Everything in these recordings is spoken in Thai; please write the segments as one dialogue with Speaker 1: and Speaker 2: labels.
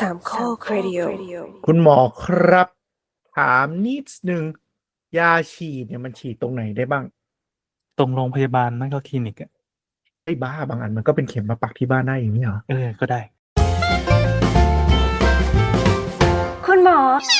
Speaker 1: สามข้อครดิโอ
Speaker 2: คุณหมอครับถามนิดนึงยาฉีดเนี่ยมันฉีดตรงไหนได้บ้าง
Speaker 3: ตรงโรงพยาบาลไม่ก็คลินิกอ่ะ
Speaker 2: ไอ้บ้าบางอันมันก็เป็นเข็มมาปักที่บ้านได้อย่างนี้เหรอ
Speaker 3: ก็ได้
Speaker 1: คุณหมอ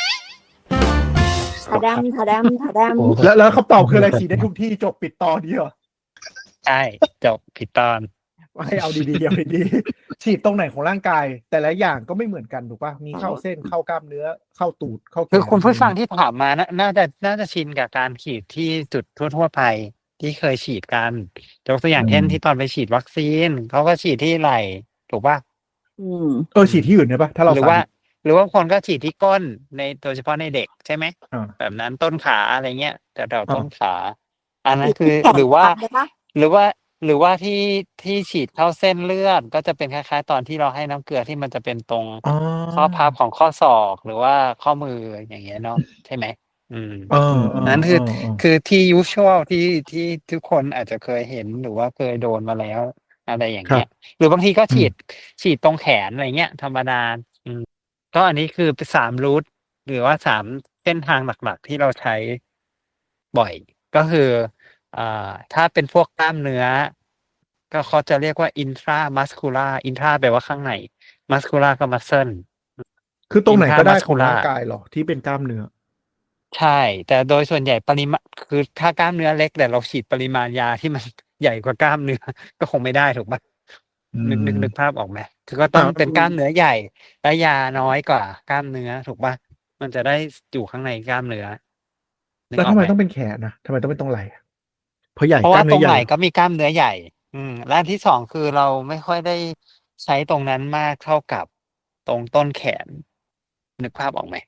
Speaker 2: ถา
Speaker 4: โอ้
Speaker 2: แล้วคำตอบคืออะไรฉีดได้ทุกที่จบปิดตอนนี้เหรอ
Speaker 4: ใช่จบผิดตอน
Speaker 2: ให้เอาดีๆเอาดีๆฉีดตรงไหนของร่างกาย แต่ละอย่างก็ไม่เหมือนกันถูกป่ะมีเข้าเส้นเข้ากล้ามเนื้อเข้าตูดเข้าแข
Speaker 4: คือน คุณผู้ฟังที่ถามมาน่าจะชินกับการฉีดที่จุดทั่วไปที่เคยฉีดกันยกตัวอย่างเช่นที่ตอนไปฉีดวัคซีนเขาก็ฉีดที่ไหล่ถูกป่ะ
Speaker 2: ฉีดที่อื่นได้ป่ะถ้าเรา
Speaker 4: หรือว่าคนก็ฉีดที่ก้นในโดยเฉพาะในเด็กใช่ไหม แบบนั้นต้นขาอะไรเงี้ยแต่เราต้นขา อันนั้นคือหรือว่าที่ฉีดเข้าเส้นเลือดก็จะเป็นคล้ายๆตอนที่เราให้น้ำเกลือที่มันจะเป็นตรงข้อพับของข้อศอกหรือว่าข้อมืออย่างเงี้ยเนาะใช่ไหมนั้นคือที่ usual ที่ทุกคนอาจจะเคยเห็นหรือว่าเคยโดนมาแล้วอะไรอย่างเงี้ยหรือบางทีก็ฉีดตรงแขนอะไรเงี้ยธรรมดาก็อันนี้คือเป็น3 รูทหรือว่า3เส้นทางหลักๆที่เราใช้บ่อยก็คือถ้าเป็นพวกกล้ามเนื้อก็เขาจะเรียกว่า intramuscular intra แปลว่าข้างใน muscular ก็ muscle
Speaker 2: คือตรงไหนก็ได้ของ
Speaker 4: intramuscular
Speaker 2: ร่างกายหรอที่เป็นกล้ามเนื้อ
Speaker 4: ใช่แต่โดยส่วนใหญ่ปริมาณคือถ้ากล้ามเนื้อเล็กแต่เราฉีดปริมาณยาที่มันใหญ่กว่ากล้ามเนื้อก็คงไม่ได้ถูกปะนึกภาพออกไหมคือก็ต้องเป็นกล้ามเนื้อใหญ่และยาน้อยกว่ากล้ามเนื้อถูกปะมันจะได้อยู่ข้างในกล้ามเนื้อ
Speaker 2: แล้วทำไมต้องเป็นแขนนะทำไมต้องเป็นตรงไหล่เพราะใหญ่
Speaker 4: เพราะ
Speaker 2: กล้า
Speaker 4: ว่าม
Speaker 2: เนื้
Speaker 4: ตร
Speaker 2: อง ให
Speaker 4: ไห
Speaker 2: ญ่
Speaker 4: นก็มีกล้ามเนื้อใหญ่และอันที่สองคือเราไม่ค่อยได้ใช้ตรงนั้นมากเท่ากับตรงต้นแขนนึกภาพออกไหม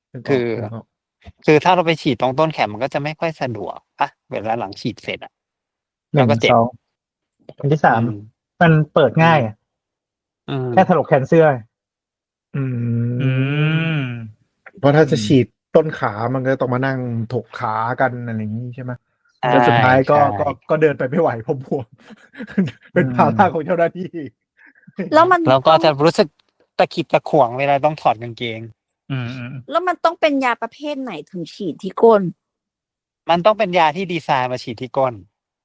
Speaker 4: คือถ้าเราไปฉีดตรงต้นแขนมันก็จะไม่ค่อยสะดวกอะเวลาหลังฉีดเสร็จเราก็เจ็บ
Speaker 3: อันที่สามมันเปิดง่ายแค่ถลกแขนเสื้อ
Speaker 2: เพราะถ้าจะฉีดต้นขามันก็ต้องมานั่งถกขากันอะไรอย่างนี้ใช่ไหมแล้วสุดท้ายก็เดินไปไม่ไหวเพราะบวมเป็นภาระของเจ้าหน้าที่
Speaker 4: แล้วก็จะรู้สึกตะขิดตะขวงเวลาต้องถอดกางเกง
Speaker 1: แล้วมันต้องเป็นยาประเภทไหนถึงฉีดที่ก้น
Speaker 4: มันต้องเป็นยาที่ดีไซน์มาฉีดที่ก้น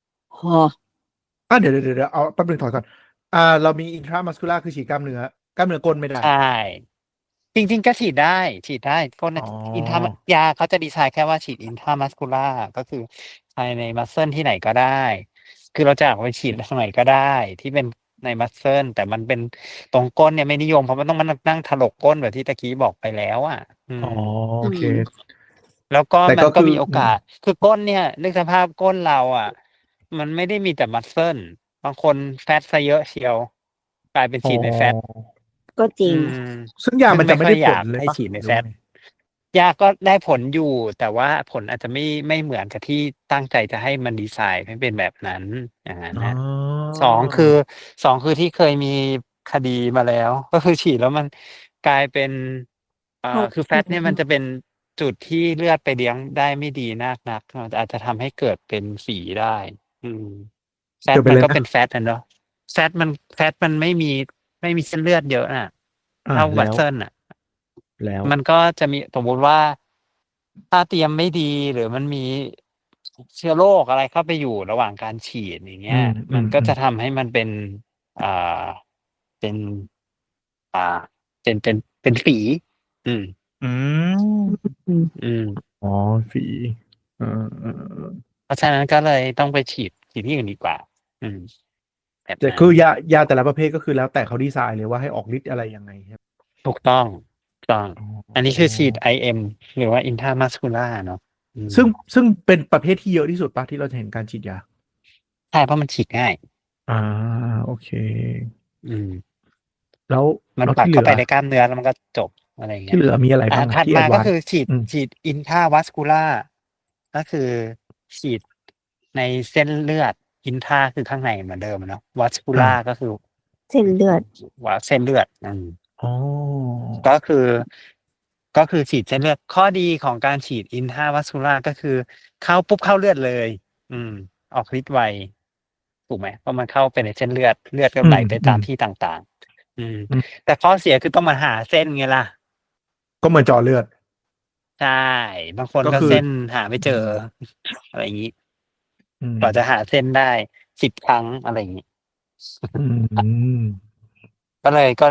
Speaker 2: เดี๋ยวเอาแป๊บนึงถอยก่อนเรามีอินทรามัสคูล่าคือฉีดกล้ามเนื้อก้นไม่ได้
Speaker 4: ใช่จริงๆก็ฉีดได้ก้นอินทายาเขาจะดีไซน์แค่ว่าฉีดอินทรามัสคูล่าก็คือภายในมัสเซิลที่ไหนก็ได้คือเราจะเอาไปฉีดตรงไหนก็ได้ที่เป็นในมัสเซิลแต่มันเป็นตรงก้นเนี่ยไม่นิยมเพราะมันต้องมานั่งถลกก้นแบบที่ตะกี้บอกไปแล้ว
Speaker 2: โอเค
Speaker 4: แล้วก็มันก็มีโอกาสคือก้นเนี่ยนึกสภาพก้นเรามันไม่ได้มีแต่มัสเซิลบางคนแฟตซะเยอะเชียวกลายเป็นฉีดในแฟต
Speaker 1: ก็จริง
Speaker 2: ซึ่งยามันจะไม่ได้ผลเลย
Speaker 4: ให้ฉีดในแฟตยาก็ได้ผลอยู่แต่ว่าผลอาจจะไม่เหมือนกับที่ตั้งใจจะให้มันดีไซน์ให้เป็นแบบนั้นอย่างนั้นนะสองคือที่เคยมีคดีมาแล้วก็คือฉีดแล้วมันกลายเป็นคือแฟตเนี่ยมันจะเป็นจุดที่เลือดไปเลี้ยงได้ไม่ดีนักอาจจะทำให้เกิดเป็นฝีได้แฟตมันก็เป็นแฟตเนาะแฟตมันไม่มีเส้นเลือดเยอะเท่าวัตเซิล
Speaker 2: แล้ว
Speaker 4: มันก็จะมีสมมติว่าถ้าเตรียมไม่ดีหรือมันมีเชื้อโรคอะไรเข้าไปอยู่ระหว่างการฉีดอย่างเงี้ยมันก็จะทำให้มันเป็นเป็นฝี
Speaker 2: ฝี
Speaker 4: เพราะฉะนั้นก็เลยต้องไปฉีดที่อื่นดีกว่า
Speaker 2: แต่คือยาแต่ละประเภทก็คือแล้วแต่เขาดีไซน์เลยว่าให้ออกฤทธิ์อะไรยังไงครับ
Speaker 4: ถูกต้องอันนี้คือฉีด IM หรือว่า intramuscular เนาะ
Speaker 2: ซึ่งเป็นประเภทที่เยอะที่สุดป่ะที่เราจะเห็นการฉีดยา
Speaker 4: ใช่เพราะมันฉีดง่าย
Speaker 2: โอเคแล้ว
Speaker 4: มันปักเข้าไปในกล้ามเนื้อแล้วมันก็จบอะไรอย่างเงี้ย
Speaker 2: ที่เหลือมีอะไรบ้าง
Speaker 4: ถัดมาก็คือฉีด intravascular ก็คือฉีดในเส้นเลือด intra คือข้างในเหมือนเดิมเนาะ vascular ก็คือ
Speaker 1: เส้นเลือด
Speaker 4: ก็คือฉีดเส้นเลือดข้อดีของการฉีด intravascular ก็คือเข้าปุ๊บเข้าเลือดเลยออกฤทธิ์ไวถูกไหมเพราะมันเข้าไปในเส้นเลือดก็ไหลไปตามที่ต่างอืม
Speaker 2: อืม
Speaker 4: แต่ข้อเสียคือต้องมาหาเส้นไงล่ะ
Speaker 2: ก็เหมือนเจาะเลือด
Speaker 4: ใช่ บางคน
Speaker 2: ก็คือ
Speaker 4: ก็เส้นหาไม่เจอ อะไรอย่างนี้
Speaker 2: อืม
Speaker 4: กว่าจะหาเส้นได้10 ครั้งอะไรอย่างนี้
Speaker 2: อืม
Speaker 4: ก็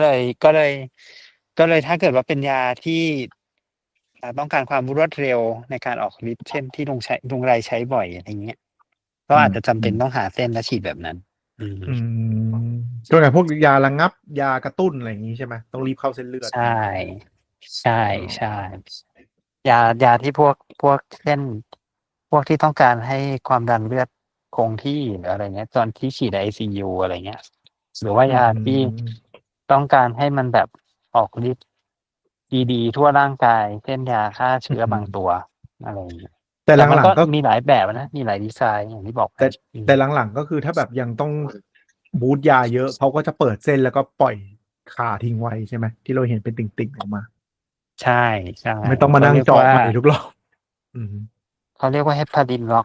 Speaker 4: เลยถ้าเกิดว่าเป็นยาที่ต้องการความรวดเร็วในการออกฤทธิ์เช่นที่ลุงไรใช้บ่อยอะไรเงี้ย ก็อาจจะจำเป็นต้องหาเส้นและฉีดแบบนั้น อืม
Speaker 2: อืมก็ไงพวกยาระงับ ยากระตุ้นอะไรอย่างนี้ใช่ไหมต้องรีบเข้าเส้นเลือด
Speaker 4: ใช่ ใช่ใช่ยาที่พวกเช่นพวกที่ต้องการให้ความดันเลือดคงที่หรืออะไรเงี้ย ตอนที่ฉีด ICU อะไรเงี้ย หรือว่ายาที่ต้องการให้มันแบบออกฤทธิ์ดีๆทั่วร่างกาย เช่นยาฆ่าเชื้อบางตัวอะไรอย่างเงี้ย
Speaker 2: แต่
Speaker 4: แต่มัน
Speaker 2: หลัง
Speaker 4: ก็
Speaker 2: ๆก็
Speaker 4: มีหลายแบบนะ มีหลายดีไซน์อย่างที่บอกไป
Speaker 2: แต่หลังๆก็คือถ้าแบบยังต้องบูทยาเยอะเขาก็จะเปิดเส้นแล้วก็ปล่อยขาทิ้งไว้ใช่ไหมที่เราเห็นเป็นติ่งๆออกมา
Speaker 4: ใช่ใช่
Speaker 2: ไม่ต้องมานั่งเจาะใหม่ทุกรอบ
Speaker 4: เขาเรียกว่าเฮปารินล็อก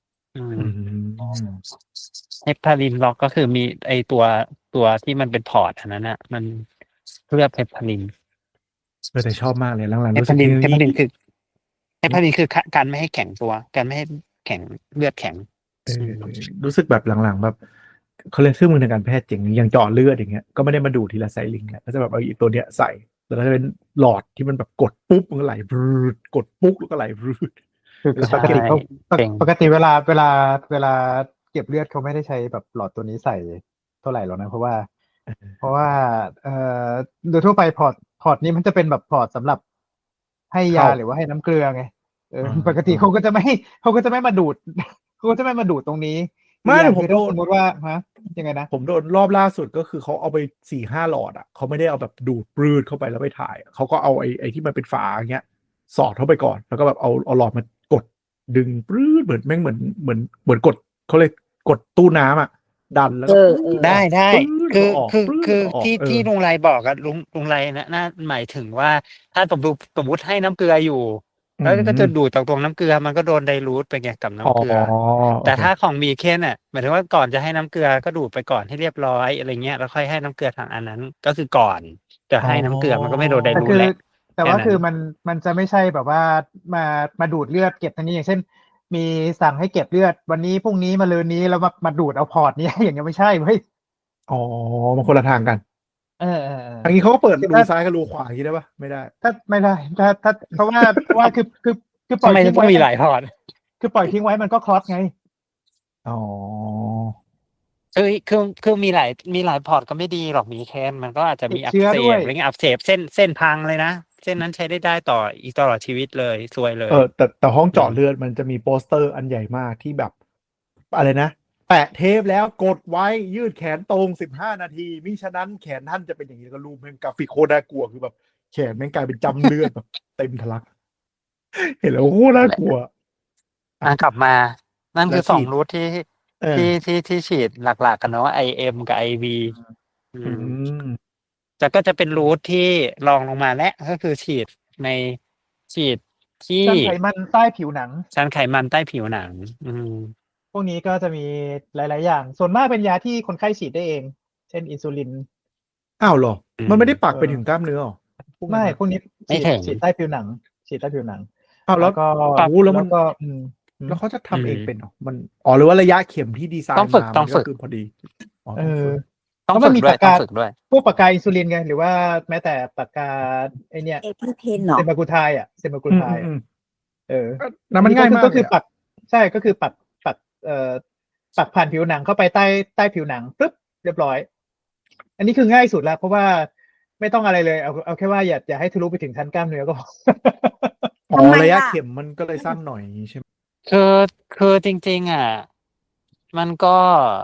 Speaker 4: เฮปารินล็อกก็คือมีไอตัวที่มันเป็นพอร์ตอันนั้นนะมันเลือกเฮปาริน
Speaker 2: แต่ชอบมากเลยหลังๆ
Speaker 4: เฮ
Speaker 2: รู้สึ
Speaker 4: ปาก ริน
Speaker 2: ที่
Speaker 4: เฮปารินคือการไม่ให้แข็งตัวการไม่ให้แข็งเลือดแข็ง
Speaker 2: รู้สึกแบบหลังๆแบบเขาเรียกเครื่องมือทางการแพทย์เจ๋งอย่างเจาะเลือดอย่างเงี้ยก็ไม่ได้มาดูทีละไซลิงแล้วก็จะแบบเอาอีตัวเนี้ยใส่แล้วก็จะเป็นหลอดที่มันแบบกดปุ๊บมันก็ไหลบรืดกดปุ๊บแล้วก็ไหลบรืด
Speaker 3: คือ
Speaker 2: แล้ว
Speaker 3: ปกติเขา
Speaker 4: เก่ง
Speaker 3: ปกติเวลาเก็บเลือดเขาไม่ได้ใช้แบบหลอดตัวนี้ใส่เท่าไหร่หรอกนะเพราะว่าเอ่อโดยทั่วไปพอร์ตนี้มันจะเป็นแบบพอร์ตสำหรับให้ยาหรือว่าให้น้ำเกลือไงปกติเขาก็จะไม่มาดูด เขาก็จะไม่มาดูดตรงนี้
Speaker 2: ไม่
Speaker 3: อย่าง
Speaker 2: ผม
Speaker 3: คือ
Speaker 2: โด
Speaker 3: ถ้าน สมมติว่ายังไงนะ
Speaker 2: ผมโดนรอบล่าสุดก็คือเขาเอาไป4-5 หลอดอ่ะเขาไม่ได้เอาแบบดูดปลืดเข้าไปแล้วไปถ่ายเขาก็เอาไอ้ที่มันเป็นฝาอย่างเงี้ยสอดเข้าไปก่อนแล้วก็แบบเอาหลอดมากดดึงปลืดเหมือนแม่งเหมือนกดเขาเลยกดตู้น้ำอ่ะดันแล้วก็
Speaker 4: ได้
Speaker 2: ปลืด
Speaker 4: คือ
Speaker 2: ออก
Speaker 4: ที่ลุงไรบอกอะลุงไรนะน่าหมายถึงว่าถ้าสมมติให้น้ำเกลืออยู่ แล้วก็จะดูดจากตรงน้ำเกลือมันก็โดนไดลูทไปไงกับน้ำเกลือ แต่ถ้าของมีเคนอ่ะหมายถึงว่าก่อนจะให้น้ำเกลือก็ดูดไปก่อนให้เรียบร้อยอะไรเงี้ยแล้วค่อยให้น้ำเกลือทางอันนั้น ก็คือก่อนจะให้น้ำเกลือมันก็ไม่โดนไดลูทแหละ
Speaker 3: แต่ว่า
Speaker 4: แค่นั้น
Speaker 3: คือมันจะไม่ใช่แบบว่ามาดูดเลือดเก็บทางนี้อย่างเช่น มีสั่งให้เก็บเลือดวันนี้พรุ่งนี้มะรืนนี้แล้วมาดูดเอาพอร์ตนี้ อย่างเงี้ยไม่ใช่เว้ย
Speaker 2: อ๋อมันคนละทางกัน
Speaker 3: เออ
Speaker 2: ทางนี้เขาก็เปิดรูซ้ายกับรูขวาอย่างนี้ได้ปะไม่ได้
Speaker 3: ถ้าไม่ได้ถ้าเพราะว่าคือปล่
Speaker 4: ทำ
Speaker 3: อย
Speaker 4: ไม
Speaker 3: ทิ้
Speaker 4: จะ
Speaker 3: ง
Speaker 4: ต้อง
Speaker 3: ไว้
Speaker 4: มีหลายพอร์ต
Speaker 3: คือปล่อยทิ้งไว้มันก็คลอสไง
Speaker 2: อ๋อ
Speaker 4: คือมีหลายพอร์ตก็ไม่ดีหรอกมีแค่มันก็อาจจะมี
Speaker 3: ติด
Speaker 4: อัก
Speaker 3: เชื้อ
Speaker 4: เส
Speaker 3: ด้วย
Speaker 4: บอะไรเงี้ยอักเสบเส้นพังเลยนะเส้นนั้นใช้ได้ต่ออีกตลอดชีวิตเลยซวยเลย
Speaker 2: แต่ห้องเจาะเลือดมันจะมีโปสเตอร์อันใหญ่มากที่แบบอะไรนะแปะเทปแล้วกดไว้ยืดแขนตรง15 นาทีมิฉะนั้นแขนท่านจะเป็นอย่างนี้แล้วก็รูปแม่งกราฟิกโคตรน่ากลัวคือแบบแขนแม่งกลายเป็นจำเลือดแบบเต็มทะลัก เห็นแล้วโคตรน่ากลัว
Speaker 4: กลับมา นั่นคือ
Speaker 2: แล้วฉีด
Speaker 4: 2 รูทที่
Speaker 2: เออ
Speaker 4: ที่ฉีดหลักๆกันเนาะ IM กับ IV
Speaker 2: อืม
Speaker 4: แต่ก็จะเป็นรูทที่รองลงมาและก็คือฉีดที่
Speaker 3: ชั้นไขมันใต้ผิวหนัง
Speaker 4: ชั้นไขมันใต้ผิวหนัง
Speaker 3: พวกนี้ก็จะมีหลาย ๆ อย่าง ส่วนมากเป็นยาที่คนไข้ฉีดได้เอง เช่นอินซูลิน
Speaker 2: อ้าวเหรอ มันไม่ได้ปัก
Speaker 3: เออ
Speaker 2: ไปถึงกล้ามเนื้อหรอพวกนั้น
Speaker 3: ไม่
Speaker 2: อะ
Speaker 3: พวกนี้
Speaker 4: ไม่ถึง
Speaker 3: ฉีดใต้ผิวหนัง ฉีดใต้ผิวหนัง
Speaker 2: อ้าวแล้ว
Speaker 3: ก็
Speaker 2: โอ้แล้วมัน
Speaker 3: ก็
Speaker 2: แล้วเขาจะทำเองเป็นเหรอมันหรือว่าระยะเข็มที่ดีไซน์
Speaker 4: ต้องฝึก
Speaker 2: มา
Speaker 4: ต้อง
Speaker 2: มัน
Speaker 4: ฝึ
Speaker 2: ก็
Speaker 4: ก
Speaker 2: คือพอดีอ๋อ
Speaker 3: เอ
Speaker 2: ต้อง
Speaker 3: อ
Speaker 2: ฝึก
Speaker 4: ต้องฝึกด้วยต้องฝึกด้วย
Speaker 3: พวกปากกาอินซูลินไงหรือว่าแม้แต่ปากกาไอเนี้ย
Speaker 1: เอพิเพนเนาะ
Speaker 3: เซมากูไทายเซมากูไทาย
Speaker 2: แล้วมันง่ายมาก
Speaker 3: ก็คือ
Speaker 2: เลย
Speaker 3: ปักใช่ก็คือปักปักผ่านผิวหนังเข้าไปใต้ผิวหนังปึ๊บเรียบร้อย อันนี้คือง่ายสุดแล้วเพราะว่าไม่ต้องอะไรเลยเอาแค่ว่าอย่าให้ทะลุไปถึงชั้นกล้ามเนื้อก็พอ
Speaker 2: อ๋อ
Speaker 1: ทำไม
Speaker 2: ระยะ
Speaker 1: ล่ะ
Speaker 2: เข็มมันก็เลยสั้นหน่อยใช่ไหม
Speaker 4: คือจริงๆอ่ะมันก็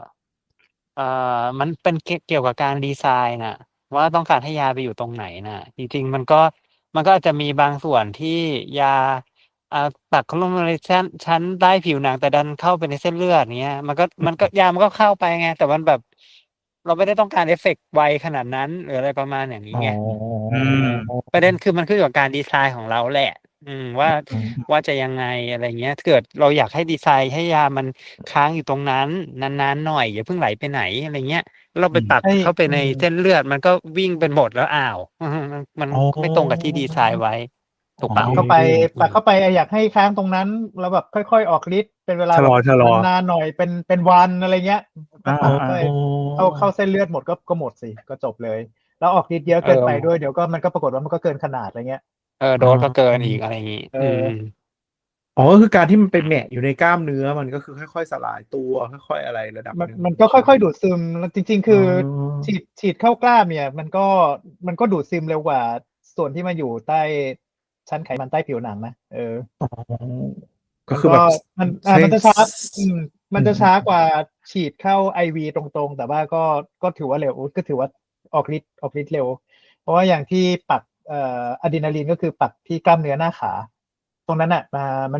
Speaker 4: มันเป็นเกี่ยวกับการดีไซน์น่ะ ว่าต้องการให้ยาไปอยู่ตรงไหนน่ะ จริงๆมันก็อาจจะมีบางส่วนที่ยาตัดเข้าลงในชั้นใต้ผิวหนังแต่ดันเข้าไปในเส้นเลือดเงี้ยมันก็ยามันก็เข้าไปไงแต่มันแบบ เราไม่ได้ต้องการเอฟเฟกต์ไวขนาดนั้นหรืออะไรประมาณอย่างนี้ไง ประเด็นคือมันขึ้นอยู่กับการดีไซน์ของเราแหละ ว่าจะยังไงอะไรเงี้ยเกิดเราอยากให้ดีไซน์ให้ยามันค้างอยู่ตรงนั้นนานๆหน่อยอย่าเพิ่งไหลไปไหนอะไรเงี้ยเราไปตัด
Speaker 3: ให้
Speaker 4: เข้าไปในเส้นเลือดมันก็วิ่งเป็นหมดแล้วอ้าวมัน
Speaker 2: อ๋อ
Speaker 4: ไม่ตรงกับที่ดีไซน์ไว้ ถูก
Speaker 3: ปั
Speaker 4: ปะ
Speaker 3: กเข้าไปปักเข้าไปอยากให้ค้างตรงนั้นแล้วแบบค่อยๆออกฤทธิ์เป็นเวลา
Speaker 5: ชะลอ
Speaker 3: แบบ
Speaker 5: ชะลอ
Speaker 3: นานๆหน่อยเป็นวันอะไรเงี้ยก็ปัก
Speaker 5: อ่า
Speaker 3: เข้าไปเข้าเส้นเลือดหมดก็หมดสิก็จบเลย แล้วออกฤทธิ์เยอะเกินไปด้วยเดี๋ยวก็มันก็ปรากฏว่ามันก็เกินขนาดอะไรเงี้ย
Speaker 4: โดสก็เกินอีกอะไรอย่างงี้
Speaker 3: เออ
Speaker 2: อ๋อก็คือการที่มันไปแหมะอยู่ในกล้ามเนื้อมันก็คือค่อยๆสลายตัวค่อยๆอะไรระดับ
Speaker 3: มัน
Speaker 2: หง
Speaker 3: มันก็ค่อยๆดูดซึมแล้วจริง ๆ คืออ
Speaker 2: อ
Speaker 3: ฉีดเข้ากล้ามเนี่ยมันก็ดูดซึมเร็วกว่าส่วนที่มาอยู่ใต้ชั้นไขมันใต้ผิวหนังนะ
Speaker 2: อ๋อก็คือแบบ
Speaker 3: มันจะช้า
Speaker 2: อืม
Speaker 3: มันจะช้ากว่าฉีดเข้าไอวีตรงๆ แต่ว่าก็ถือว่าเร็วก็ถือว่าออกฤทธิ์เร็ว เพราะว่าอย่างที่ปักอะดรีนาลีนก็คือปักที่กล้ามเนื้อหน้าขา ตรงนั้นอ่ะ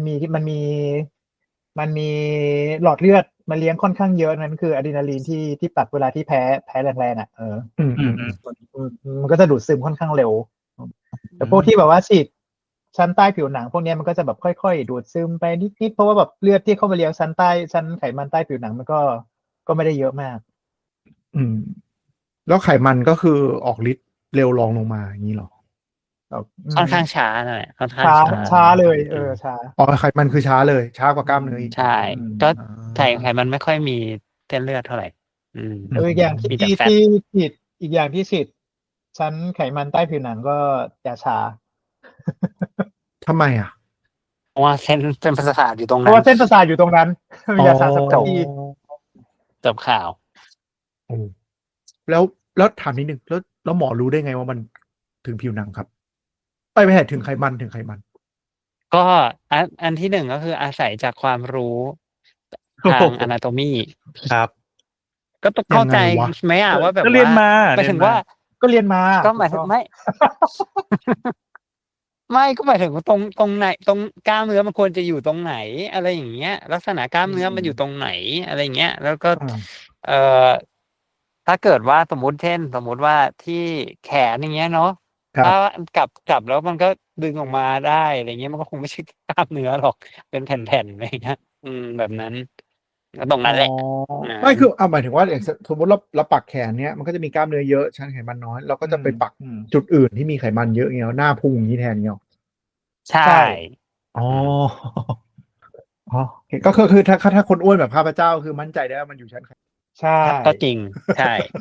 Speaker 3: มันมีหลอดเลือดมาเลี้ยงค่อนข้างเยอะนั่นคืออะดรีนาลีนที่ปักเวลาที่แพ้แรงๆอ่ะมันก็จะดูดซึมค่อนข้างเร็ว แต่พวกที่แบบว่าฉีดชั้นใต้ผิวหนังพวกนี้มันก็จะแบบค่อยๆดูดซึมไปนิดๆเพราะว่าแบบเลือดที่เข้ามาเลี้ยงชั้นไขมันใต้ผิวหนังมันก็ไม่ได้เยอะมาก
Speaker 2: อืมแล้วไขมันก็คือออกฤทธิ์เร็วรองลงมาอย่างนี้หรอ
Speaker 4: ค่อนข้างช้าหน่อยค่อนข้าง
Speaker 3: ช้าเลยช้า
Speaker 2: อ๋อไขมันคือช้าเลยช้ากว่ากล้ามเนื้ออีก
Speaker 4: ใช่
Speaker 3: อืม
Speaker 4: ก็ไขมันไม่ค่อยมีเส้นเลือดเท่าไหร่
Speaker 3: อีกอย่าง
Speaker 4: มีแต่แฟต
Speaker 3: ที่ฉีดอีกอย่างที่ฉีดชั้นไขมันใต้ผิวหนังก็จะช้า
Speaker 2: ทำไมอ่ะ
Speaker 4: เพราะว่าเส้นประสาทอยู่ตรง
Speaker 3: เพ
Speaker 4: นั้
Speaker 3: ราะ
Speaker 4: น
Speaker 3: ว่าเส้นประสาทอยู่ตรงนั้นยาชาส
Speaker 4: จ
Speaker 3: เป
Speaker 4: บ
Speaker 3: รย์
Speaker 4: จบข่าว
Speaker 2: โอ้แล้วถามนิดนึงแล้วหมอรู้ได้ไงว่ามันถึงผิวหนังครับไม่ใช่ถึงไขมัน
Speaker 4: ก็อันที่หนึ่งก็คืออาศัยจากความรู้ทาง anatomy
Speaker 5: ครับ
Speaker 4: ก็ต้องเข้าใจ
Speaker 2: ยังไงวะ
Speaker 4: ไหมอ่ะว่าแบบ
Speaker 5: ก็เรียนมา
Speaker 4: หมายถึงว่า
Speaker 3: ก็เรียนมา
Speaker 4: ก็หมายถึงไม่ ไม่ก็หมายถึงว่าตรงไหนตรงกล้ามเนื้อมันควรจะอยู่ตรงไหน อะไรอย่างเงี้ย ลักษณะกล้ามเนื้อมันอยู่ตรงไหนอะไรอย่างเงี้ย แล้วก็
Speaker 2: อ่า
Speaker 4: เอ่อถ้าเกิดว่าสมมติว่าที่แขนอย่างเงี้ยเนาะ
Speaker 2: ครับ
Speaker 4: ถ้ากลับแล้วมันก็ดึงออกมาได้อะไรเงี้ยมันก็คงไม่ใช่กล้ามเนื้อหรอกเป็นแผ่นๆอะไรเงี้ยแบบนั้นก็ตรงนั้นแหละ
Speaker 2: ไม่คือหมายถึงว่าอย่างสมมติเราปักแขนเนี้ยมันก็จะมีกล้ามเนื้อเยอะชั้นไขมันน้อยเราก็จะไปปักจุดอื่นที่มีไขมันเยอะเงี้ยหน้าพุงอย่างนี้แทนเงี้ย
Speaker 4: ใช่
Speaker 2: อ๋ออ๋อโอเคก็คือถ้าคนอ้วนแบบข้าพเจ้าคือมั่นใจได้ว่ามันอยู่ชั้นไข
Speaker 3: ใช่
Speaker 4: ก็จริงใช่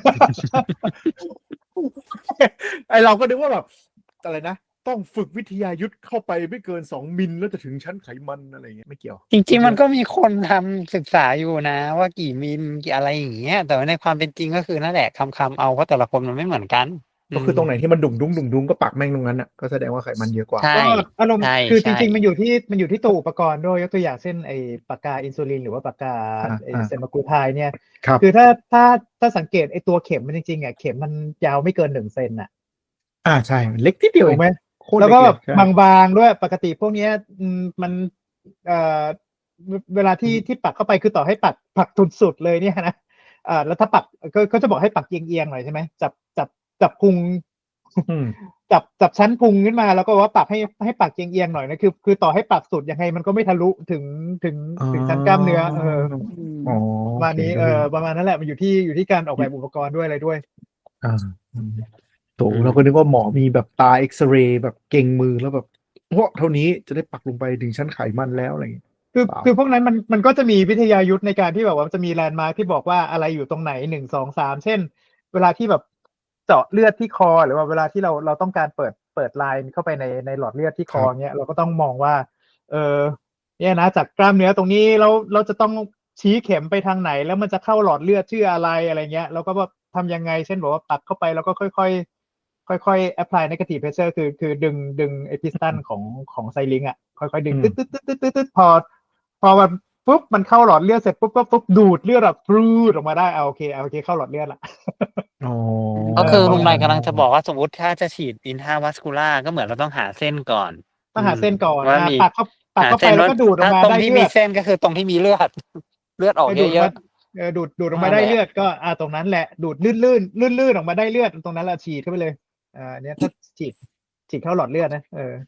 Speaker 2: ไอเราก็นึกว่าแบบอะไรนะต้องฝึกวิทยายุทธเข้าไปไม่เกิน2 มิลแล้วจะถึงชั้นไขมันอะไรเงี้ยไม่เกี่ยว
Speaker 4: จริงๆมันก็มีคนทำศึกษาอยู่นะว่ากี่มิลกี่อะไรอย่างเงี้ยแต่ว่าในความเป็นจริงก็คือนั่นแหละคำเอาเพราะแต่ละคนมันไม่เหมือนกัน
Speaker 2: ก็คือตรงไหนที่มันดุ่งดุ้งก็ปักแม่งตรงนั้นอ่ะก็แสดงว่าไขมันเยอะกว่า
Speaker 4: ใช่
Speaker 3: ก็อารมณ์
Speaker 4: ใช่
Speaker 3: คือจ
Speaker 4: ใช่
Speaker 3: ริงๆมันอยู่ที่ตัวอุปกรณ์ด้วยยกตัวอย่างเช่นไอ้ปากกาอินซูลินหรือว่าปากกาไอ้เซมากูไทเนี่ย
Speaker 2: ครับ
Speaker 3: คือถ้าสังเกตไอ้ตัวเข็มมันจริงๆอ่ะเข็มมันยาวไม่เกิน1 เซนอ่ะ
Speaker 2: ใช่มันเล็กนิดเดียว
Speaker 3: ถูกไหม
Speaker 2: โคตร
Speaker 3: แล้ว
Speaker 2: เล็
Speaker 3: ก็
Speaker 2: ก
Speaker 3: แบบ
Speaker 2: ใช่
Speaker 3: บางๆด้วยปกติพวกเนี้ยมันเอ่อเวลาที่ปักเข้าไปคือต่อให้ปักสุดๆเลยเนี่ยนะแล้วถ้าปักก็จะบอกให้ปักเอียงๆหน่อยใช่ไหมจับพุง
Speaker 2: อืม
Speaker 3: จับชั้นพุงขึ้นมาแล้วก็ว่าปักให้ปักเอียงๆหน่อยนะคือต่อให้ปักสุดยังไงมันก็ไม่ทะลุถึงชั้นกล้ามเนื้อ
Speaker 2: อ๋อ
Speaker 3: ประมาณนี้ประมาณนั้นแหละมันอยู่ที่การออกแบบอุปกรณ์ด้วยอะไรด้วย
Speaker 2: โถเราก็นึกว่าหมอมีแบบตาเอ็กซเรย์แบบเก่งมือแล้วแบบเท่านี้จะได้ปักลงไปถึงชั้นไขมันแล้วอะไรอย่างเงี้ย
Speaker 3: คือพวกนั้นมันก็จะมีวิทยายุทธในการที่แบบว่าจะมีแลนด์มาร์คที่บอกว่าอะไรอยู่ตรงไหน1 2 3เช่น เวลาที่แบบเจาะเลือดที่คอหรือว่าเวลาที่เราต้องการเปิดไลน์เข้าไปในหลอดเลือดที่คอเนี้ยเราก็ต้องมองว่าเนี่ยนะจากกล้ามเนื้อตรงนี้เราจะต้องชี้เข็มไปทางไหนแล้วมันจะเข้าหลอดเลือดชื่ออะไรเงี้ยแล้วก็แบบทำยังไงเช่นบอกว่าปักเข้าไปแล้วก็ค่อยๆ apply negative pressure คือดึงไอพิสตันของไซลิงอ่ะค่อยๆดึงตึ๊ดพอมันปุ๊บมันเข้าหลอดเลือดเสร็จปุ๊บดูดเลือดแบบปรูดออกมาได้โอเคเข้าหลอดเลือดละ
Speaker 4: ก็คือ
Speaker 3: ประมาณ
Speaker 4: ลุงไรกำลังจะบอกว่าสมมติถ้าจะฉีดอินทราวัสคูล่าก็เหมือนเราต้องหาเส้นก่อน
Speaker 3: ต้องหาเส้นก่อน
Speaker 4: ว่ามี
Speaker 3: ปักเข้าไปแล้วก็ดูดออกมา
Speaker 4: ตรง
Speaker 3: ได้
Speaker 4: ที่
Speaker 3: เลื
Speaker 4: มี
Speaker 3: อด
Speaker 4: เส้นก็คือตรงที่มีเลือด เลือดออกเยอะ
Speaker 3: ดูดออกมาได้เลือดก็ตรงนั้นแหละดูดลื่นออกมาได้เลือดตรงนั้นแหละฉีดเข้าไปเลยเนี่ยถ้าฉีดเข้าหลอดเลือดนะ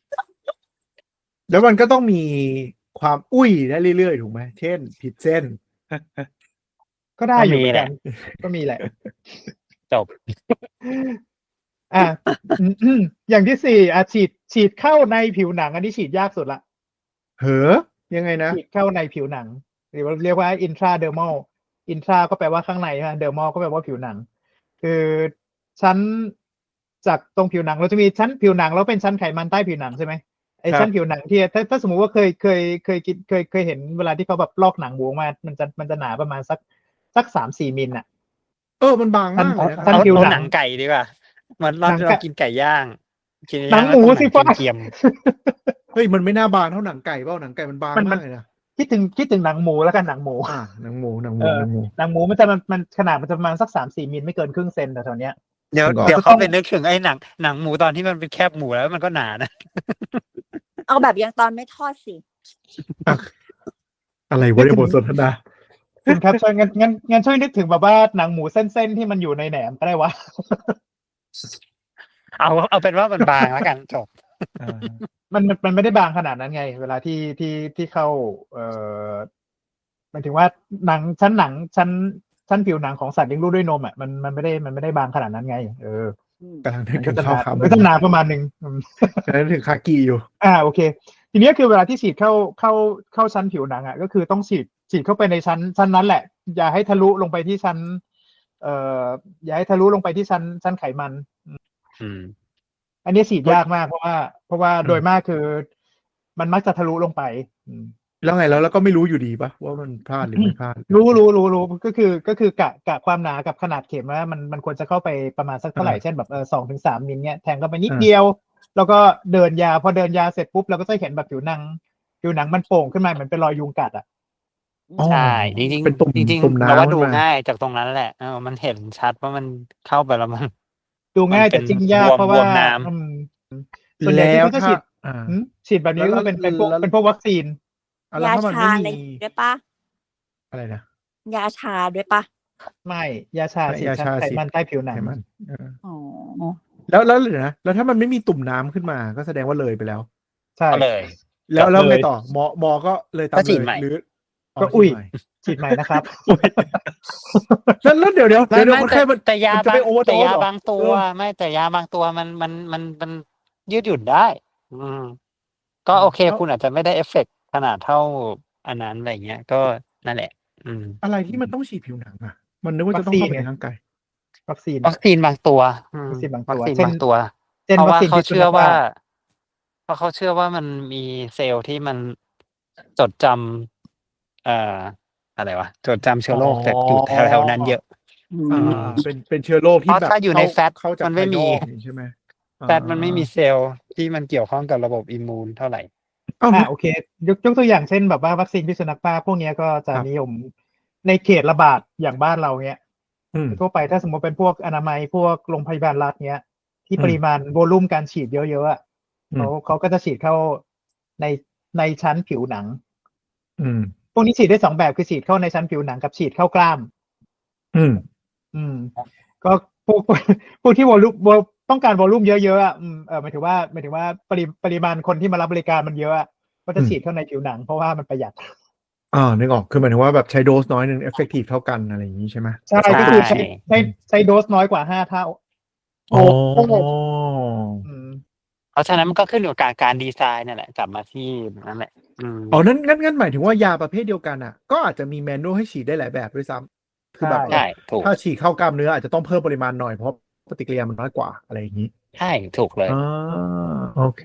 Speaker 2: แล้วมันก็ต้องมีความอุ้ยได้เรื่อยๆถูกไหมเช่นผิดเส้น
Speaker 3: ก็ได้อยู่เหมือน
Speaker 4: แห
Speaker 3: กั
Speaker 4: ละ
Speaker 3: น ก็มีแหละ
Speaker 4: จบ
Speaker 3: อ่ะ อย่างที่สี่ฉีดเข้าในผิวหนัง อันนี้ฉีดยากสุดละ
Speaker 2: เหรอยังไงนะ
Speaker 3: ฉีดเข้าในผิวหนัง หรือว่าเรียกว่า intradermal intra ก็แปลว่าข้างในใช่ไหม dermal ก็แปลว่าผิวหนัง คือชั้นจากตรงผิวหนังเราจะมีชั้นผิวหนังแล้วเป็นชั้นไขมันใต้ผิวหนังใช่ไหมไอ้
Speaker 2: ครับ
Speaker 3: ชั้นผิวหนังที่ถ้าสมมุติว่าเคยเห็นเวลาที่เขาแบบลอกหนังหมูมามันจะหนาประมาณสัก3-4 มิลน่ะ
Speaker 2: มันบางมากเลยนะค
Speaker 3: ท่า
Speaker 2: รับ
Speaker 3: นผิวหนัง
Speaker 4: หนังไก่ดีกว่ามันเรา
Speaker 3: หนังไก่
Speaker 4: เรากินไก่ย่างกิน
Speaker 3: หนั
Speaker 4: ย่าง ง
Speaker 3: หมู
Speaker 4: แล้ว
Speaker 3: สิ
Speaker 4: ต้องหนั
Speaker 3: ฟ้า
Speaker 4: งเกรียม
Speaker 2: เฮ้ยมันไม่น่าบางเท่าหนังไก่เปล่าหนังไก่มันบาง
Speaker 3: มัน
Speaker 2: มากเลยนะ
Speaker 3: คิดถึงหนังหมูแล้วกันหนังหมู
Speaker 2: หนังหมูหนังห
Speaker 3: เอ
Speaker 2: มู
Speaker 3: อ
Speaker 2: หนังหมู
Speaker 3: หนังหมูมันขนาดมันจะประมาณสัก3-4 มิลไม่เกินครึ่งเซนแต่แถวเนี้ย
Speaker 4: เดี๋ยว
Speaker 2: จริงเหรอ
Speaker 4: เดี๋ยว
Speaker 3: จะต้
Speaker 4: เขา
Speaker 3: อง
Speaker 4: ไปนึกถึงไอ้หนังหมูตอนที่มันเป็นแคบหมูแล้วมันก็หนานะ
Speaker 1: เอาแบบยังตอนไม่ทอดสิ
Speaker 2: อะไรวะในยบทสนทนา
Speaker 3: คุณครับช่วยงั้นช่วยนึกถึงแบบว่าหนังหมูเส้นๆที่มันอยู่ในแหนมก็ได้วะ
Speaker 4: เอาเป็นว่ามันบางแล้วกันจบ
Speaker 3: มันไม่ได้บางขนาดนั้นไง เวลาที่เข้าหมายถึงว่าหนังชั้นผิวหนังของสัตว์เลี้ยงลูกด้วยนมอ่ะมันไม่ได้บางขนาดนั้นไง
Speaker 2: กำลังนึก
Speaker 3: มัน
Speaker 2: ถึ
Speaker 3: ก็
Speaker 2: ง
Speaker 3: จะห
Speaker 2: ข้าว
Speaker 3: นา
Speaker 2: ขาหมู
Speaker 3: ก็จะหนาประมาณหนึ่ง
Speaker 2: กำลังนึกถึงคากิอยู่
Speaker 3: โอเค ทีนี้คือเวลาที่ฉีดเข้าชั้นผิวหนังอ่ะก็คือต้องฉีดเข้าไปในชั้นนั้นแหละ อย่าให้ทะลุลงไปที่ชั้นอย่าให้ทะลุลงไปที่ชั้นไขมัน
Speaker 4: อืม
Speaker 3: อันนี้ฉีดยากมากเพราะว่าโดยมากคือมันมักจะทะลุลงไป
Speaker 2: แล้วไงแล้วก็ไม่รู้อยู่ดีปะว่ามันพลาดหรือไม่พลาด
Speaker 3: รู้ก็คือกะความหนากับขนาดเข็มว่ามันควรจะเข้าไปประมาณสักเท่าไหร่ เช่นแบบ2-3 มิลเนี่ยแทงเข้าไปนิดเดียว แล้วก็เดินยาพอเดินยาเสร็จปุ๊บเราก็จะเห็นแบบผิวหนังมันโป่งขึ้นมาเหมือนเป็นรอยยุงกัดอ่ะ
Speaker 2: อ๋อ
Speaker 4: ใช่จริง
Speaker 2: เป็นตุ่ม
Speaker 4: จริง
Speaker 2: ตุ่ม
Speaker 4: ๆ
Speaker 2: น้ำ
Speaker 4: เราว่าดู
Speaker 2: ขึ้นมา
Speaker 4: ง่ายจากตรงนั้นแหละมันเห็นชัดว่ามันเข้าไปแล้วมัน
Speaker 3: ดูง่าย
Speaker 4: มันเป็
Speaker 3: แต่
Speaker 4: น
Speaker 3: จิ้มยาก
Speaker 4: บวม
Speaker 3: เพราะว่า
Speaker 4: บวมน้ำ
Speaker 3: ส่วนใหญ่ที่
Speaker 2: แล้ว
Speaker 3: เขาจะฉีด
Speaker 2: ถ้า
Speaker 3: ฉีดแบบนี้ก็คือเป็นพวกวัคซีน
Speaker 2: แล้ว
Speaker 1: ยา
Speaker 2: ถ้ามัน
Speaker 1: ชา
Speaker 2: ไม่
Speaker 1: อะไร
Speaker 2: มี
Speaker 1: ด้วยปะ
Speaker 2: อะไรนะ
Speaker 1: ยาชาด้วยปะ
Speaker 3: ไม่ยาชาฉีด
Speaker 2: ยา
Speaker 3: ชั้
Speaker 2: ชาน
Speaker 3: ไข
Speaker 2: ฉีด
Speaker 3: มันใต้ผิวหนั
Speaker 2: ไข
Speaker 3: ง
Speaker 2: มัน
Speaker 1: อ๋อ
Speaker 2: แล้วเดี๋ยวนะแล้วถ้ามันไม่มีตุ่มน้ำขึ้นมาก็แสดงว่าเลยไปแล้ว
Speaker 3: ใช่
Speaker 4: ก็เลย
Speaker 2: แล้ว
Speaker 3: จบ
Speaker 2: ไง
Speaker 3: เลย
Speaker 2: ต่อหมอก็เลยตาม
Speaker 4: ก็ฉี
Speaker 2: เล
Speaker 4: ด
Speaker 2: ย
Speaker 4: ใหม่
Speaker 2: หรือ
Speaker 3: ก็อุ้ย
Speaker 2: ฉีดใหม่
Speaker 3: ฉีดใหม่นะครับ
Speaker 2: แล้วเดี๋ยว
Speaker 4: ไม่
Speaker 2: คนไข้มัน
Speaker 4: แต่ยา
Speaker 2: มันจะ
Speaker 4: บา
Speaker 2: ไป
Speaker 4: ง
Speaker 2: โอเวอร์โด
Speaker 4: แต่
Speaker 2: ส
Speaker 4: ยา
Speaker 2: เหรอ
Speaker 4: บางตัวไม่แต่ยาบางตัวมันยืดหยุ่นได้ ก็โอเค
Speaker 2: แล้ว
Speaker 4: คุณอาจจะไม่ได้เอฟเฟกต์ขนาดเท่าอันนั้นอะไรเงี้ย ก็นั่นแหละ
Speaker 2: อะไรที่มันต้องฉีดผิวหนังอ่ะ มันนึกว่าจะต้องเข้าไปในร่างกาย
Speaker 3: วัคซีน
Speaker 4: วัคซีนบางตัว
Speaker 3: วัคซีนบาง
Speaker 4: วั
Speaker 3: ตั
Speaker 4: คว ซีน
Speaker 3: เช่น
Speaker 4: บางตัว
Speaker 3: เช่น
Speaker 4: เพราะ
Speaker 3: วัค
Speaker 4: ว่า
Speaker 3: ซีน
Speaker 4: เขา
Speaker 3: พิษสุ
Speaker 4: เชื่
Speaker 3: นั
Speaker 4: อ
Speaker 3: ข
Speaker 4: ว่า
Speaker 3: บ้า
Speaker 4: เพราะเขาเชื่อว่ามันมีเซลล์ที่มันจดจำอะไรวะจดจำเชื้อโรคแต่อยู่แถวๆนั้นเยอะ
Speaker 2: เป็นเชื้อโรคที่
Speaker 4: เพราะ
Speaker 2: แบบ
Speaker 4: ถ้าอยู่ในแฟต
Speaker 2: เข้าจาก
Speaker 4: มันไม่
Speaker 2: ภายน
Speaker 4: มี
Speaker 2: อกนี่ใช่ไหม
Speaker 4: แฟตมันไม่มีเซลล์ที่มันเกี่ยวข้องกับระบบอิมมูนเท่าไหร่
Speaker 3: โอเคยกตัวอย่างเช่นแบบว่าวัคซีนพิษสุนัขบ้าพวกเนี้ยก็จะ
Speaker 2: ครับ
Speaker 3: นิยมในเขตระบาดอย่างบ้านเราเนี้ย ทั่วไปถ้าสมมติเป็นพวกอนามัยพวกโรงพยาบาลรัฐเนี้ยที่ปริมาณโวลูมการฉีดเยอะๆอะเขาก็จะฉีดเข้าในชั้นผิวหนังพวกนี้ฉีดได้2แบบคือฉีดเข้าในชั้นผิวหนังกับฉีดเข้ากล้ามก็พวกที่วอลลุ่มต้องการวอลลุ่มเยอะๆอ่ะหมายถึงว่าปริมาณคนที่มารับบริการมันเยอะก็จะฉีดเข้าในผิวหนังเพราะว่ามันประหยัด
Speaker 2: นึกออกคือหมายถึงว่าแบบใช้โดสน้อยนึงเอฟเฟกตีฟเท่ากันอะไรอย่างนี้ใช่ไหม
Speaker 3: ใช่ก็คือใช้โดสน้อยกว่า5 เท่า
Speaker 4: เพราะฉะนั้นมันก็ขึ้นอยู่กับการดีไซน์นั่นแหละกลับมาที่นั่นแหละ
Speaker 2: งั้นหมายถึงว่ายาประเภทเดียวกันอ่ะก็อาจจะมีแมนนวลให้ฉีดได้หลายแบบด้วยซ้ำคือแบบ
Speaker 4: ใช่ถูก
Speaker 2: ถ้าฉีดเข้ากล้ามเนื้ออาจจะต้องเพิ่มปริมาณหน่อยเพราะปฏิกิริยามันน้อยกว่าอะไรอย่างนี้
Speaker 4: ใช่ถูกเลย
Speaker 2: โอเค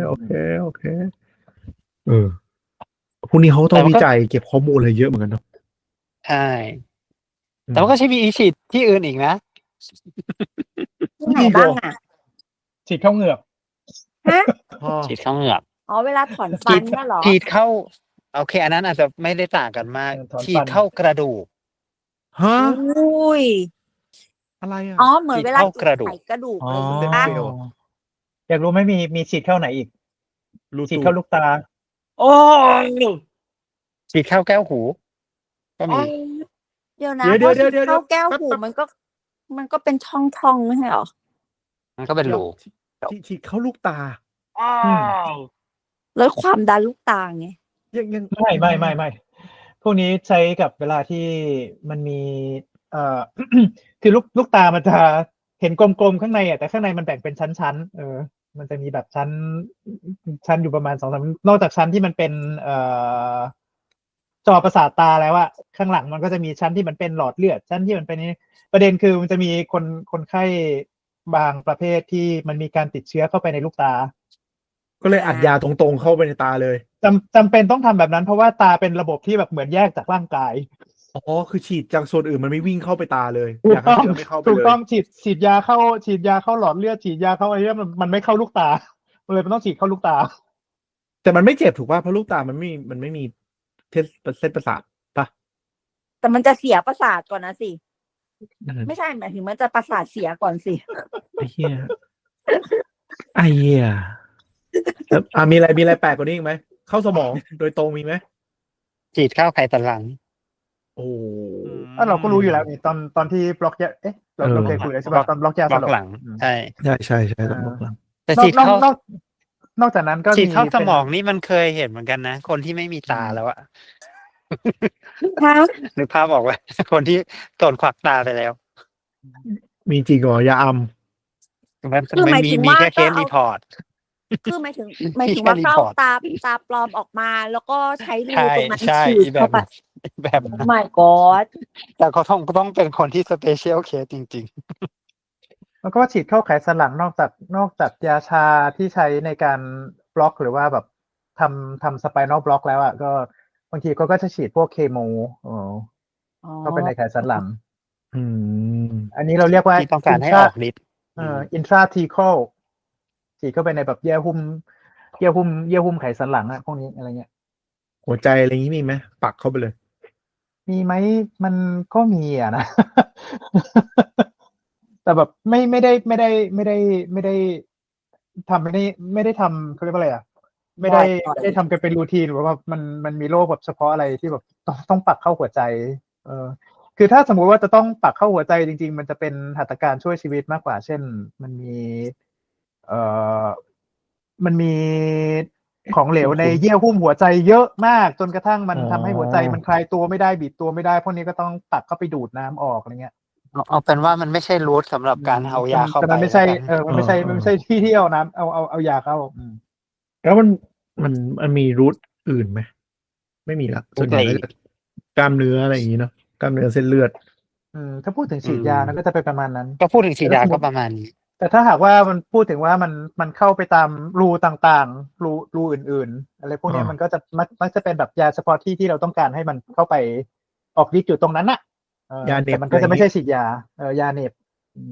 Speaker 2: พวกนี้เขาต้องวิจัยเก็บข้อมูลอะไรเยอะเหมือนกันเนาะ
Speaker 4: ใช่แต่ว่าก็ใช้มีฉีดที่อื่นอีกนะ
Speaker 1: ที่ไหนบ้างอ่ะ
Speaker 3: ฉีดเข้าเหงือก
Speaker 1: ฮะ
Speaker 4: ฉีดเข้าเหงือก
Speaker 1: อ๋อเวลาถอนฟันเนี่ยเหรอ
Speaker 4: ฉีดเข้าโอเคอันนั้นอาจจะไม่ได้ต่างกันมากฉีดเข้ากระดูก
Speaker 2: ฮะ
Speaker 1: อุ้ย
Speaker 2: อะไรอ่ะ
Speaker 1: อ๋อเหมือนเวลา
Speaker 4: ฉีดเข้ากระดูก
Speaker 1: ไขกระดูก
Speaker 3: อ๋อ
Speaker 1: อะไรอย่างเงี้ยป่ะ
Speaker 3: อยากรู้ไหมมีฉีดเข้าไหนอีกฉีดเข้าลูกตา
Speaker 1: โอ้ย
Speaker 4: ฉีดเข้าแก้วหูก็มี
Speaker 1: เดี๋ยวนะ
Speaker 2: เดี๋ยว
Speaker 1: พอฉีด
Speaker 2: เดี๋ยว
Speaker 1: เข้าแก้วหู
Speaker 2: แป๊บ
Speaker 1: มันก็เป็นช่องไม่ใช่เหรอ
Speaker 4: มันก็เป็นรู
Speaker 2: ฉีดเข้าลูกตา
Speaker 1: แล้วความดันลูกตาไง
Speaker 2: ยัง
Speaker 3: ไม่พวกนี้ใช้กับเวลาที่มันมีคือลูกตามันจะเห็นกลมๆข้างในแต่ข้างในมันแบ่งเป็นชั้นๆมันจะมีแบบชั้นอยู่ประมาณ2-3นอกจากชั้นที่มันเป็นจอประสาทตาแล้วอะข้างหลังมันก็จะมีชั้นที่มันเป็นหลอดเลือดชั้นที่มันเป็นนี้ประเด็นคือมันจะมีคนไข้บางประเภทที่มันมีการติดเชื้อเข้าไปในลูกตา
Speaker 2: ก็เลยอัดยาตรงๆเข้าไปในตาเลย
Speaker 3: จำเป็นต้องทำแบบนั้นเพราะว่าตาเป็นระบบที่แบบเหมือนแยกจากร่างกาย
Speaker 2: อ๋อคือฉีดจากส่วนอื่นมันไม่วิ่งเข้าไปตาเลย
Speaker 3: ถู
Speaker 2: อก ยากให้
Speaker 3: ต้อง
Speaker 2: เชื้อไม่เข้าไป
Speaker 3: ถูก
Speaker 2: เลย
Speaker 3: ต้องฉีดยาเข้าหลอดเลือดฉีดยาเข้าอะไรเงี้ยมันไม่เข้าลูกตามันเลยมันต้องฉีดเข้าลูกตา
Speaker 2: แต่มันไม่เจ็บถูกป่ะเพราะลูกตามันไม่มีเส้นประสาทป่ะ
Speaker 1: แต่มันจะเสียประสาทก่อนนะสิ ไม่ใช่หมายถึงมันจะประสาทเสียก่อนสิ
Speaker 2: ไอ้เหี้ยไอ้เหี้ยแล้วมีอะไรแปลกกว่านี้อีกไหมเข้าสมองโดยตรงมีไหม
Speaker 4: ฉีดเข้าไขสันหลัง
Speaker 2: โอ้
Speaker 3: เราก็รู้อยู่แล้วนี่ตอนที่บล็อกยาเราเคยคุยแล้วใช่ป่ะตอนบล็อกยา
Speaker 4: บ
Speaker 3: ส
Speaker 4: ล็อก
Speaker 3: ลบ
Speaker 4: หลังใช่
Speaker 2: ใช่ต้องบอกหลัง
Speaker 4: แต่
Speaker 3: นอก
Speaker 4: ฉีดเข้าน
Speaker 3: อกจากนั้นก็
Speaker 4: ฉีดเข้า
Speaker 3: มี
Speaker 4: สมองนี่มันเคยเห็นเหมือนกันนะ คนที่ไม่มีตาแล้วอะ
Speaker 1: ฮะ
Speaker 4: นึกภาพออกไหม คนที่โดนขวักตาไปแล้ว
Speaker 2: มีจริงเหรอยาอัม
Speaker 4: มัน
Speaker 1: คือหมายถึง
Speaker 4: มี
Speaker 1: ว่า
Speaker 4: แค่เค
Speaker 1: ก็
Speaker 4: ส
Speaker 1: เอา
Speaker 4: รีพอร์ต
Speaker 1: คือหมายถึงว่าเข้าตาปลอมออกมาแล้วก็ใช้รู
Speaker 4: ใช่
Speaker 1: ตรงนั้น
Speaker 4: ใช่
Speaker 1: ฉีด
Speaker 4: แบ
Speaker 1: เข้า
Speaker 4: บ
Speaker 1: ไป
Speaker 4: แบบ
Speaker 1: โอ้ my god
Speaker 4: แต่เขาต้องเป็นคนที่สเปเชียลเคสจริง
Speaker 3: แล้วก็ฉีดเข้าไขสันหลังนอกจากยาชาที่ใช้ในการบล็อกหรือว่าแบบทำสไปนอลบล็อกแล้วอ่ะก็บางทีเขาก็จะฉีดพวกเคมีเข้าไปในไขสันหลัง
Speaker 2: อืม
Speaker 3: อันนี้เราเรียกว่า
Speaker 4: ที่ต้องการให้ออกฤทธิ์
Speaker 3: intrathecal ฉีดเข้าไปในแบบเยื่อหุ้มไขสันหลังอะพวกนี้อะไรเงี้ย
Speaker 2: หัวใจอะไรอย่างนี้มีไหมปักเข้าไปเลย
Speaker 3: มีไหมมันก็มีอะนะ แต่แบบไม่ได้ทำไม่ได้ทำเขาเรียกว่าอะไรอ่ะไม่ได้ทำกันเป็นรูทีนหรือว่ามันมีโรคแบบเฉพาะอะไรที่แบบต้องปักเข้าหัวใจ คือถ้าสมมุติว่าจะต้องปักเข้าหัวใจจริงๆมันจะเป็นหัตถการช่วยชีวิตมากกว่า เช่นมันมีของเหลวในเยื่อหุ้มหัวใจเยอะมากจนกระทั่งมันทำให้หัวใจมันคลายตัวไม่ได้บีบตัวไม่ได้พวกนี้ก็ต้องปักเข้าไปดูดน้ำออกอะไรเงี้ย
Speaker 4: เอาเป็นว่ามันไม่ใช่รูทสำหรับการเอายาเข้า
Speaker 3: แต่
Speaker 4: ไป
Speaker 3: มันไม่ใช่
Speaker 4: แล้วกัน
Speaker 3: มันไม่ใช่ที่เอาน้ำเอายาเข้า
Speaker 2: แล้วมันมีรูทอื่นไหมไม่มีละส่วนใหญ่ก็จะกล้ามเนื้ออะไรอย่างนี้เนาะกล้ามเนื้อเส้นเลือด
Speaker 3: ถ้าพูดถึงฉีดยานั้นก็จะเป็นประมาณนั้น
Speaker 4: ก็พูดถึงฉีดยาก็ประมาณนี้
Speaker 3: แต่ถ้าหากว่ามันพูดถึงว่ามันเข้าไปตามรูต่างๆรูอื่นๆอะไรพวกนี้มันก็จะมักจะเป็นแบบยาเฉพาะที่เราต้องการให้มันเข้าไปออกฤทธิ์อยู่ตรงนั้นน่ะ
Speaker 2: ยาเหน็บ
Speaker 3: แต่มันก็จะไม่ใช่ฉีดยายาเหน็บ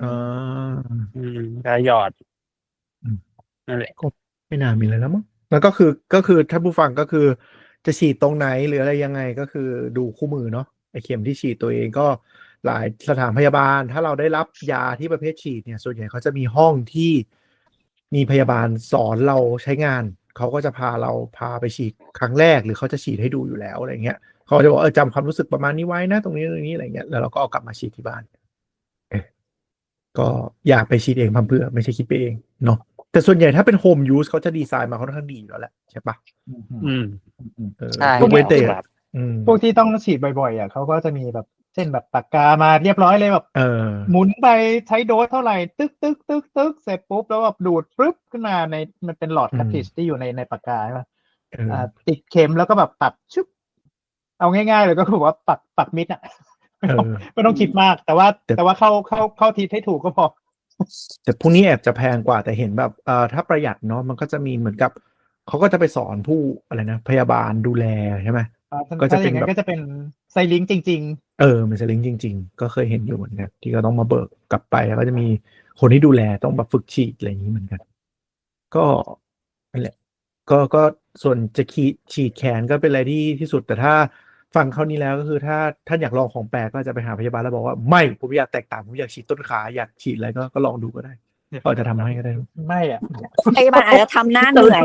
Speaker 4: ยาหยอดนั่นแหละ
Speaker 2: ก็ไม่น่ามีอะไรแล้วมั้งแล้วก็คือถ้าผู้ฟังก็คือจะฉีดตรงไหนหรืออะไรยังไงก็คือดูคู่มือเนาะไอเข็มที่ฉีดตัวเองก็หลายสถานพยาบาลถ้าเราได้รับยาที่ประเภทฉีดเนี่ยส่วนใหญ่เขาจะมีห้องที่มีพยาบาลสอนเราใช้งานเขาก็จะพาไปฉีดครั้งแรกหรือเขาจะฉีดให้ดูอยู่แล้วอะไรเงี้ยเขาจะบอกจำความรู้สึกประมาณนี้ไว้นะตรงนี้อะไรเงี้ยแล้วเราก็เอากลับมาฉีดที่บ้านก็อยากไปฉีดเองพัมเพื่อไม่ใช่คิดไปเองเนาะแต่ส่วนใหญ่ถ้าเป็นโฮมยูสเขาจะดีไซน์มาค่อนข้างดีอยู่แล้วแหละใช่ปะ
Speaker 4: ใช่
Speaker 2: พวกเวเต
Speaker 3: พวกที่ต้องฉีดบ่อยๆเขาก็จะมีแบบเช่นแบบปากกามาเรียบร้อยเลยแบบหมุนไปใช้โดสเท่าไหร่ตึกเสร็จปุ๊บแล้วแบบดูดปึ๊บขึ้นมาในมันเป็นหลอดคัตติชที่อยู่ในปากกาใช่ไหมติดเข็มแล้วก็แบบปักชุบเอาง่ายๆเลยก็คือว่าปักมิดอ่ะไม่ต้องคิดมากแต่ว่าเข้าทีให้ถูกก็พอ
Speaker 2: แต่พวกนี้แอบจะแพงกว่าแต่เห็นแบบถ้าประหยัดเนาะมันก็จะมีเหมือนกับเขาก็จะไปสอนผู้อะไรนะพยาบาลดูแลใช่ไหม
Speaker 3: ก็จะเป็นแบบก็จะเป็นไซลิงจริง
Speaker 2: ๆมันไซลิงจริงๆก็เคยเห็นอยู่เหมือนกันที่ก็ต้องมาเบิกกลับไปแล้วก็จะมีคนที่ดูแลต้องแบบฝึกฉีดอะไรอย่างนี้เหมือนกันก็นั่นแหละก็ส่วนจะฉีดแขนก็เป็นอะไรที่สุดแต่ถ้าฟังเขานี้แล้วก็คือถ้าท่านอยากลองของแปลกก็จะไปหาพยาบาลแล้วบอกว่าไม่ผมอยากแตกต่างผมอยากฉีดต้นขาอยากฉีดอะไรก็ลองดูก็ได้ก็จะทำให้ก็ได้
Speaker 3: ไม่อ่ะ
Speaker 1: พยาบาลอาจจะทำหน้าเหนื่อย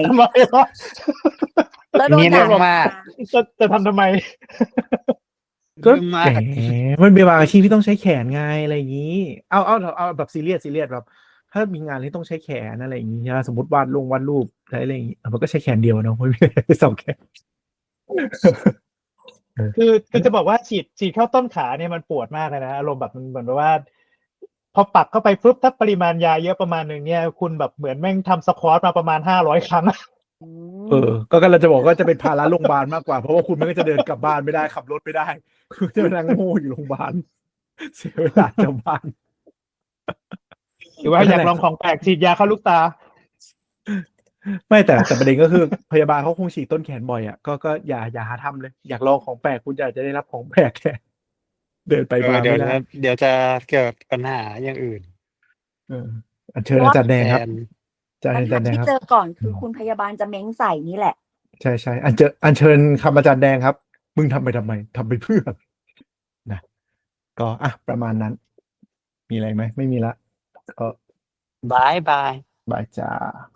Speaker 1: แล้วโดนด่ามาก
Speaker 3: จะทำทำไม
Speaker 2: ก็แหมมันเป็นบางอาชีพที่ต้องใช้แขนไงอะไรอย่างนี้เอาแบบซีเรียสแบบถ้ามีงานที่ต้องใช้แขนอะไรอย่างนี้สมมติวาดรูปอะไรอย่างนี้มันก็ใช้แขนเดียวเนาะไม่มีสองแขน
Speaker 3: คือจะบอกว่าฉีดเข้าต้นขาเนี่ยมันปวดมากเลยนะอารมณ์แบบมันเหมือนแบบว่า พอปักเข้าไปปุ๊บถ้าปริมาณยาเยอะประมาณหนึ่งเนี่ยคุณแบบเหมือนแม่งทำสควอตมาประมาณ500 ครั้ง
Speaker 2: ก็กำลังจะบอกว่าจะเป็นภาระโรงพยาบาลมากกว่าเพราะว่าคุณไม่ก็จะเดินกลับบ้านไม่ได้ขับรถไม่ได้คุณจะนั่งโง่อยู่โรงพยาบาลเสียเวลาชาวบ้าน
Speaker 3: หรือว่าอยากลองของแปลกฉีดยาเข้าลูกตา
Speaker 2: ไม่แต่ประเด็นก็คือพยาบาลเขาคงฉีดต้นแขนบ่อยอ่ะก็อย่าหาทำเลยอยากลองของแปลกคุณจะได้รับของแปลกแค่เดินไปมา
Speaker 4: เดี๋ยว
Speaker 2: ไม่ได้
Speaker 4: เดี๋ยวจะเกิดปัญหาอย่างอื่น
Speaker 2: อัญเชิญอาจารย์แดงครับ
Speaker 4: แทน
Speaker 2: อาจาร
Speaker 1: ปัญ
Speaker 2: ย์
Speaker 1: หา
Speaker 2: แดง
Speaker 1: ที่
Speaker 2: ครับ
Speaker 1: เจอก่อนคือคุณพยาบาลจะเม้งใส่นี่แหละ
Speaker 2: ใช่อัญเชิญคำอาจารย์แดงครับ มึงทำไปทำไมทำไปเพื่อนะก็ประมาณนั้น มีอะไรไหมไม่มีละก็
Speaker 4: บาย
Speaker 2: บายจ้า